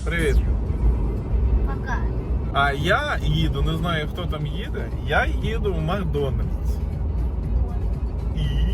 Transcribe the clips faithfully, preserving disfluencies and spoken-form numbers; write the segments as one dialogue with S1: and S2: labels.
S1: Привіт.
S2: Пока.
S1: А я їду, не знаю хто там їде, я їду в Макдональдс. І...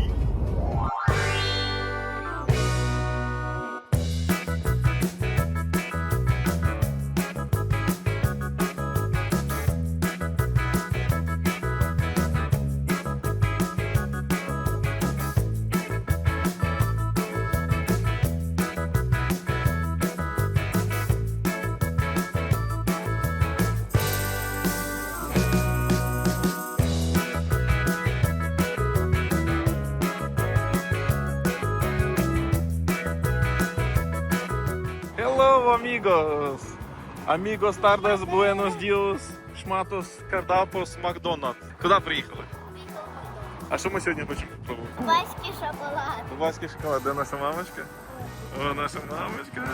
S1: Hello, amigos! Amigos tardes, buenos dias, шматос, кардапос, Макдональдс. Куди приїхали? А що ми сьогодні хочемо попробувати?
S2: Дубайський шоколад.
S1: Дубайський шоколад. Де наша мамочка? О, наша мамочка.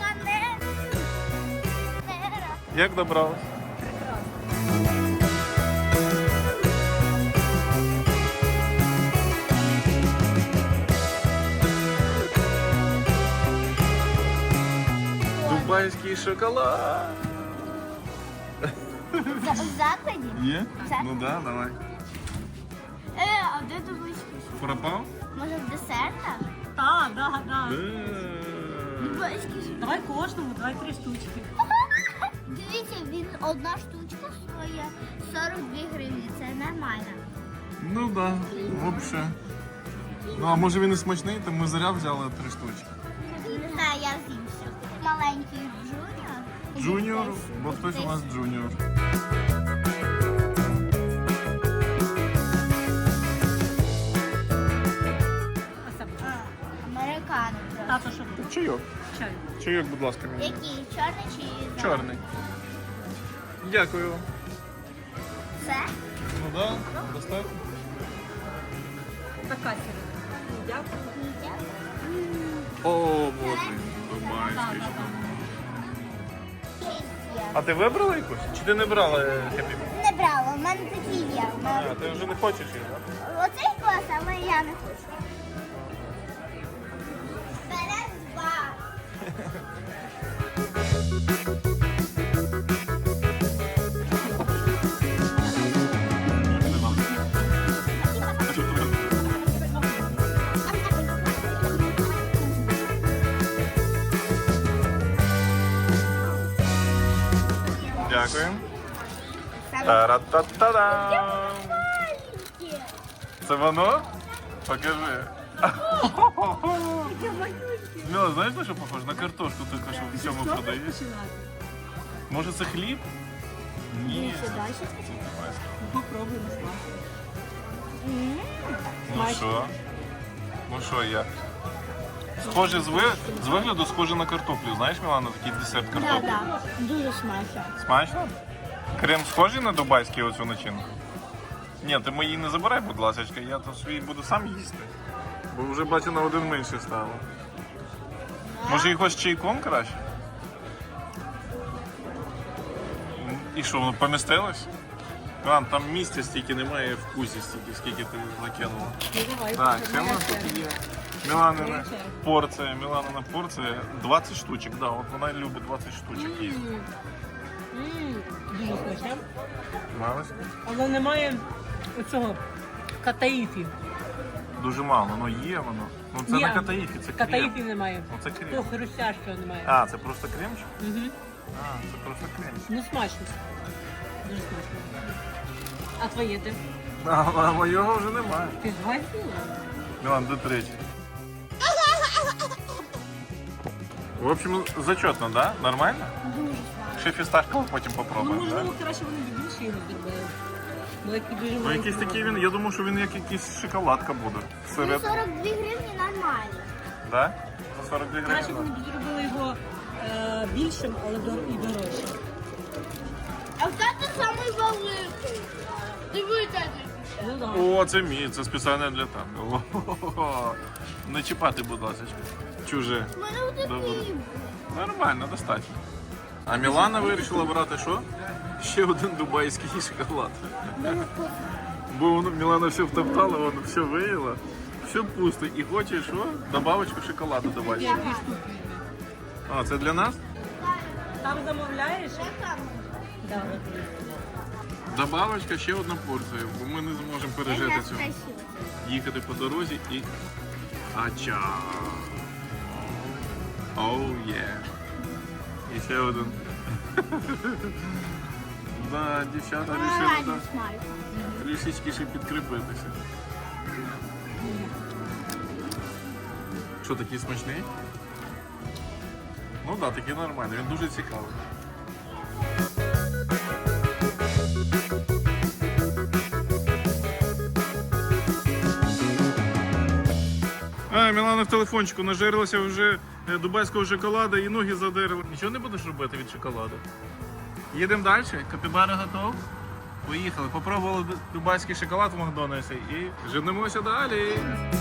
S1: Як добралась? Дубайський шоколад.
S2: В закладі?
S1: Є?
S2: Так.
S1: Ну да, давай.
S2: Е, а де дубайський шоколад?
S1: Пропав?
S2: Може в десертах?
S3: Так, да, да.
S2: Дубайський шоколад.
S3: Давай кожному, давай три штучки.
S2: Дивіться, він одна штучка стоїть сорок дві гривні. Це нормально.
S1: Ну да, взагалі. Ну а може він і смачний, то ми заря взяли три штучки.
S2: Не знаю, я з'їм все. Маленький джуніор.
S1: Джуніор, бо хтось у нас джуніор.
S2: Американо просто.
S3: Тато, що буде?
S1: Чайок.
S3: Чай.
S1: Чайок, будь ласка, мені.
S2: Який? Чорний чи зелений?
S1: Чорний. Дякую вам.
S2: Це?
S1: Ну да, достатньо.
S3: Така сіра. Дякую.
S1: О, боже, дубайський шоколад. А ти вибрала якусь? Чи ти не брала хеппі?
S2: Не брала, в мене такі є.
S1: А, ти вже не хочеш їх, так?
S2: Оцей клас, але я не хочу. Вперед два.
S1: Дякую. Та-ра-та-та-дам! Це воно? Покажи. Мила, знаєш на що похоже? На картошку тільки що в цьому продаєш. Може це хліб? Ні.
S3: Попробуємо смак.
S1: Ну що? Ну що я? Схоже з, ви... з вигляду схоже на картоплю. Знаєш, Мілана, такий десерт картоплі?
S2: Так, дуже смачно.
S1: Смачно? Крем схожий на дубайський оцю начинку? Ні, ти мої не забирай, будь ласка, я то свій буду сам їсти. Бо вже бачу на один менше стало. Може якось чайком краще? М, І що, воно помістилось? Мілан, там місця стільки немає, вкусі стільки, скільки ти закинула.
S3: Ну, давай.
S1: Так, ще в нас тут є. Міланина порція, Міланина порція двадцять штучок, да, от вона любить двадцять штучок їсти.
S3: Ммм, дуже смачне.
S1: Малося?
S3: Але немає оцього катаїфі.
S1: Дуже мало, ну є воно. Ну це
S3: Ні,
S1: не катаїфі, це крем.
S3: Катаїфі немає.
S1: Ну це крем.
S3: Того хрустящого немає.
S1: А, це просто кремчик?
S3: Угу.
S1: А, це просто кремчик.
S3: Ну смачно. Дуже смачно. А твоє де?
S1: А, а моєго вже немає.
S3: Ти згадила?
S1: Мілан, до третій. В общем, зачетно, да? Нормально?
S2: Дуже смачно.
S1: Ще фісташково потім
S3: Ну,
S1: попробуємо, да?
S3: можливо, краще вони б більше його зробили. Бо який дуже
S1: Ну
S3: маленький
S1: якийсь такий
S3: розмір.
S1: він, я думав, що він як якийсь шоколадка буде.
S2: Ну,
S1: Серед,
S2: сорок дві гривні нормально.
S1: да? За сорок дві
S3: Краще б
S1: гривні.
S3: вони б зробили його е, більшим, але дор- і дорожчим.
S2: А це самий великий. Дивіться.
S3: Ну, да.
S1: О, це мій, це спеціально для тебе. О, не чіпати, будь ласка. Чуже.
S2: У мене
S1: Добре.
S2: отакий.
S1: Нормально, достатньо. А Мілана вирішила брати що? Ще один дубайський шоколад. Бо воно Мілана все втоптала, воно все виїла, все пусто. І хоче що? Добавочку шоколаду дубайського. А, це для нас?
S3: Там замовляєш? Добре.
S1: Добавочка ще одна порція, бо ми не зможемо пережити цього.
S2: Красиво.
S1: Їхати по дорозі і... Ача! Оу є! І ще один. Да, дівчата вирішили да,
S2: Смак.
S1: трішечки ще підкріпитися. Що, такий смачний? Ну так, да, такий нормальний, він дуже цікавий. А, Мілана в телефончику нажерлася вже е, дубайського шоколада і ноги задерли. Нічого не будеш робити від шоколаду? Їдемо далі? Капібара готов? Поїхали. Попробували ду- дубайський шоколад в Макдональдсі і женемося далі.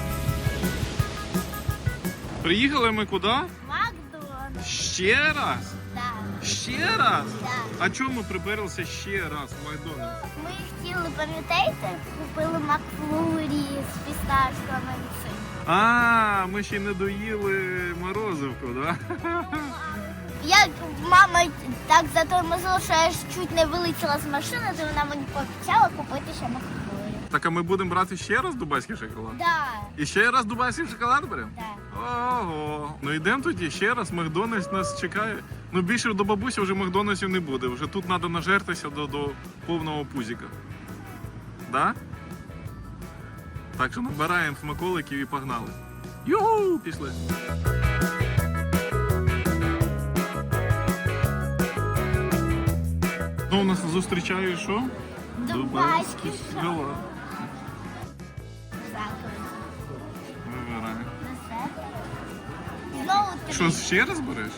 S1: Приїхали ми куди?
S2: Макдональдс.
S1: Ще раз?
S2: Да.
S1: Ще раз?
S2: Да.
S1: А чому ми приперлися ще раз в Макдональдс?
S2: Ми хотіли, пам'ятаєте, купили Макфлурі з фісташками і цим.
S1: А, ми ще й не доїли морозивку, да?
S2: Як мама так затормозила, що я ж чуть не вилетіла з машини, то вона мені пообіцяла купити ще Макфлурі.
S1: Так, а ми будемо брати ще раз дубайський шоколад?
S2: Да.
S1: І ще раз дубайський шоколад беремо?
S2: Да.
S1: Ого. Ну йдемо тоді ще раз, Макдональдс нас чекає. Ну більше до бабусі вже Макдональдсів не буде. Вже тут треба нажертися до, до повного пузіка. Да? Так що набираємо смаколиків і погнали. Юху! Пішли. Ну, у нас зустрічає що?
S2: Дубайський
S1: шоколад.
S2: Дякую.
S1: Вибирай.
S2: На все. Знову три.
S1: Що, ще раз береш?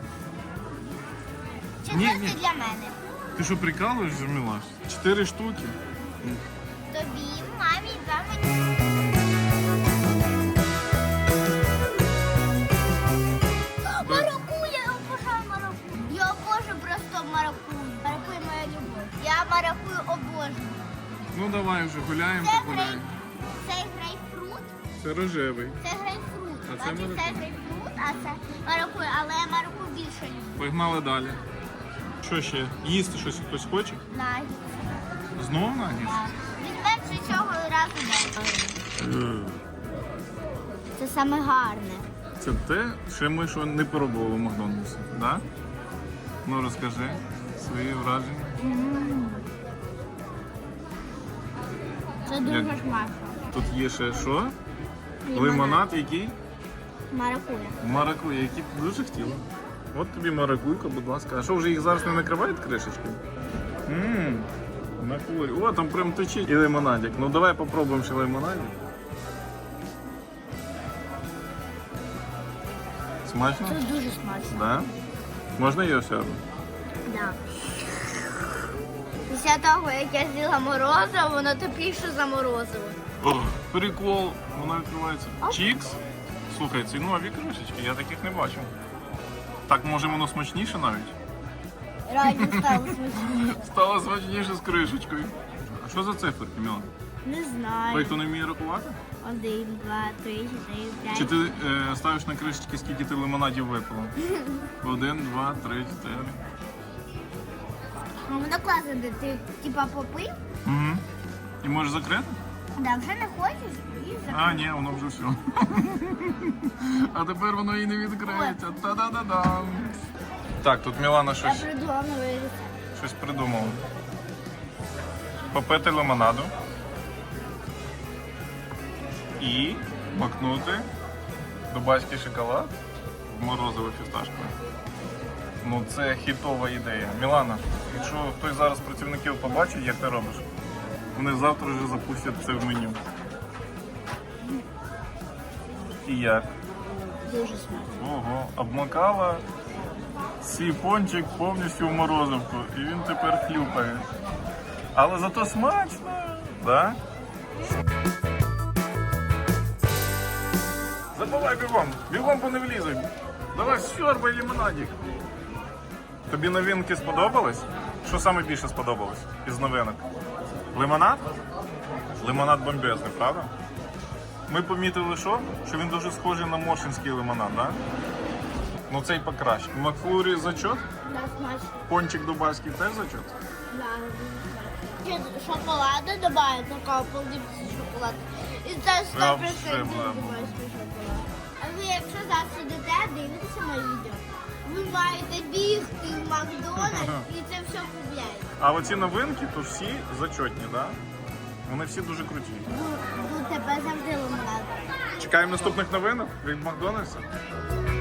S2: Четвертий
S1: ні.
S2: для мене.
S1: Ти що, прикалуєш, Мілаш? Чотири штуки?
S2: Тобі, мамі, два мені. Маракуя, я обожаю маракую. Я обожаю просто маракую. Маракуя моя любов. Я маракую обожаю.
S1: Ну давай вже гуляємо,
S2: Це,
S1: так
S2: грей...
S1: гуляємо.
S2: це грейпфрут.
S1: Це рожевий.
S2: Це грейпфрут.
S1: А це
S2: Значить, це
S1: маракуя.
S2: грейпфрут, а це маракуя. Але я маракую більше люблю.
S1: Погнали далі. Що ще? Їсти щось хтось хоче?
S2: Нагіт.
S1: Знов нагіс?
S2: Візьмемо вже цього разу далі. Це саме гарне.
S1: Це те, що ми що не пробували в Макдональдсі, да? Ну розкажи свої враження.
S2: Це дуже
S1: Як?
S2: смачно.
S1: Тут є ще що?
S2: Лимонад.
S1: Лимонад, який?
S2: Маракуя.
S1: Маракуя, який б дуже хотіла. От тобі маракуйка, будь ласка. А що, вже їх зараз не накривають кришечкою? Ммм, накурі. О, там прям течить і лимонадик. Ну давай попробуємо ще лимонадик. Смачно?
S2: Це дуже смачно.
S1: Да? Можна її сяду?
S2: Да. Після того, як я з'їла морозиво, воно тепліше за морозиво.
S1: О, прикол, вона відкривається.
S2: Оп.
S1: Чікс. Слухай, ці нові кришечки, я таких не бачив. Так, може воно смачніше навіть?
S2: Реально стало смачніше.
S1: Стало смачніше з кришечкою. А що за циферки, Мілан?
S2: Не
S1: Той,
S2: знаю.
S1: хто не вміє рахувати?
S2: Один, два, три, чотири, п'ять.
S1: Чи ти е, ставиш на кришечки, скільки ти лимонадів випила? Один, два, три, чотири.
S2: Ну, воно класно, де ти типа попив,
S1: Угу. І можеш закрити?
S2: да, вже не хочеш і закрив.
S1: А, ні, воно вже все. А тепер воно і не відкриється. Та-да-да-дам. Так, тут Мілана
S2: Я
S1: щось,
S2: придумала новий рецепт.
S1: щось придумала. Попити лимонаду. І макнути дубайський шоколад в морозиво фісташкове. Ну це хітова ідея. Мілана, якщо хтось зараз з працівників побачить, як ти робиш, вони завтра вже запустять це в меню. І як?
S2: Дуже смачно.
S1: Ого, обмакала свій пончик повністю в морозивку. І він тепер хлюпає. Але зато смачно, да? Забувай бігом, бігом бо не влізай. Давай сьорбай лимонадик. Тобі новинки сподобались? Що саме більше сподобалось із новинок? Лимонад? Лимонад бомбезний, правда? Ми помітили, що? Що він дуже схожий на моршинський лимонад, да? Ну цей покраще. Макфлурі зачот?
S2: Да, смачно.
S1: Пончик дубайський теж зачот?
S2: Да, Ще шоколада добавить, такого полдипси шоколад. І це сто
S1: Прям
S2: процентів
S1: шибла.
S2: дубайський шоколад. А ви якщо зараз сидите, дивитеся моє відео, ви маєте бігти в Макдональдс і це все купляєте.
S1: А оці новинки, то всі зачотні, так? Да? Вони всі дуже круті.
S2: Ну, тебе завжди лимонад.
S1: Чекаємо наступних новинок від Макдональдса.